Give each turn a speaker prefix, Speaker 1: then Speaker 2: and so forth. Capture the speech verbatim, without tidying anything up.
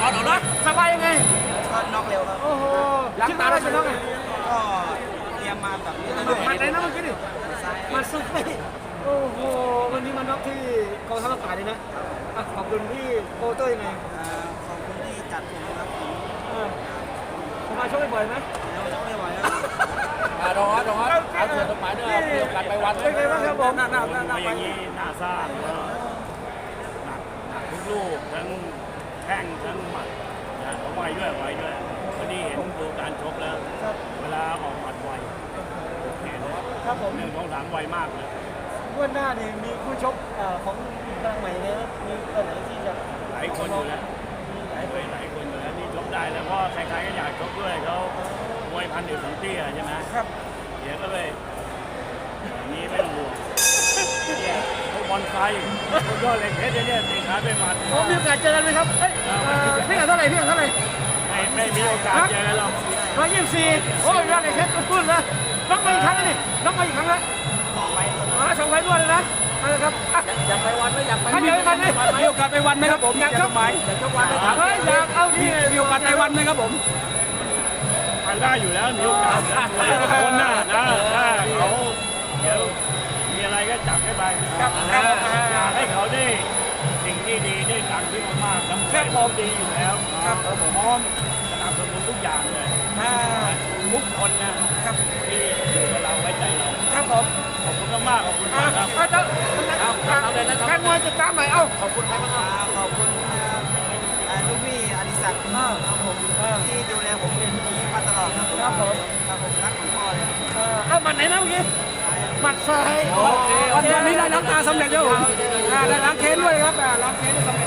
Speaker 1: อนเอาเลยสบายยังไงก็น็อกเร็วครับโอ้โหคิดว่าได้ชนะไงก็เตรียมมาแบบนี้มันไหนนะเมื่อกี้ดิมันสุดไปโอ้โหวันนี้มันน็อกที่กองทัพอากาศเลยนะขอบคุณพี่โปเตอร์ยังไงขอบคุณที่จัดผมครับผมมาชกบ่อยไหมชกบ่อยครับรอรอเอาเสือต้นไม้ด้วยมีโอกาสไปวันเป็นไงบ้างครับผมหน้าหน้าหน้าหน้าอย่างนี้หน้าซ่าหนักหนักทุกลูกทั้งแข้งทั้งหมัดนะเขาไวด้วยไวด้วยวันนี้เห็นดูการชกแล้วเวลาออกหมัดไวโอเคเลยครับผมหนึ่งสองสามไวมากเลยวันหน้านี่มีคู่ชกของกลางใหม่เนี่ยมีตัวไหนที่จะหลายคนอยู่แล้วหลายคนหลายคนอยู่แล้วนี่ชกได้แล้วเพราะใครๆก็อยากชกด้วยเขามวยพันเดียวถึงเตี้ยใช่ไหมครับเดี๋ยวก็เลยนี้ไม่ต้องห่วงเนี่ยพวกบอลไฟพวกยอดเหล็กเพชรเนี่ยตีขาด้วยหมัดผมมีโอกาสเจอกันไหมครับเฮ้ยพี่เท่าไหร่พี่เท่าไหร่ไม่ไม่มีโอกาสเจอกันหรอกร้อยยี่สิบสี่โอ้ยยอดเหล็กเพชรพูดเลยน้องมาอีกครั้งนี่น้องมาอีกครั้งแล้วสองไฟสองไฟด้วยเลยนะนะครับอยากไปวันไหมอยากไปมีโอกาสไหมมีโอกาสไปวันไหมครับผมอยากชกไหมอยากชกวันไหมครับเฮ้ยอยากเอาที่มีโอกาสไปวันไหมครับผมไปได้อยู่แล้วมีโอกาสคนหน้านะถ้าเขาเดี๋ยวมีอะไรก็จับให้ไปให้เขาได้สิ่งที่ดีได้ตังค์ที่มากๆแล้วแค่พร้อมดีอยู่แล้วครับผมพร้อมสนับสนุนทุกอย่างเลยทุกคนนะครับที่อยู่กับเราไว้ใจเราครับผมขอบคุณมากขอบคุณมากครับเอาเลยนะครับแฟนมวยติดตามหน่อยเอ้าขอบคุณครับขอบคุณลูกพี่อดิศักดิ์ครับผมที่ดูแลผมเป็นดีมาตลอดครับผมครับผมรักของพ่อเลยเอ้าหมัดไหนนะเมื่อกี้หมัดซ้ายวันนี้ได้ล้างตาสำเร็จแล้วได้ล้างเค้นด้วยครับล้างเค้นสำ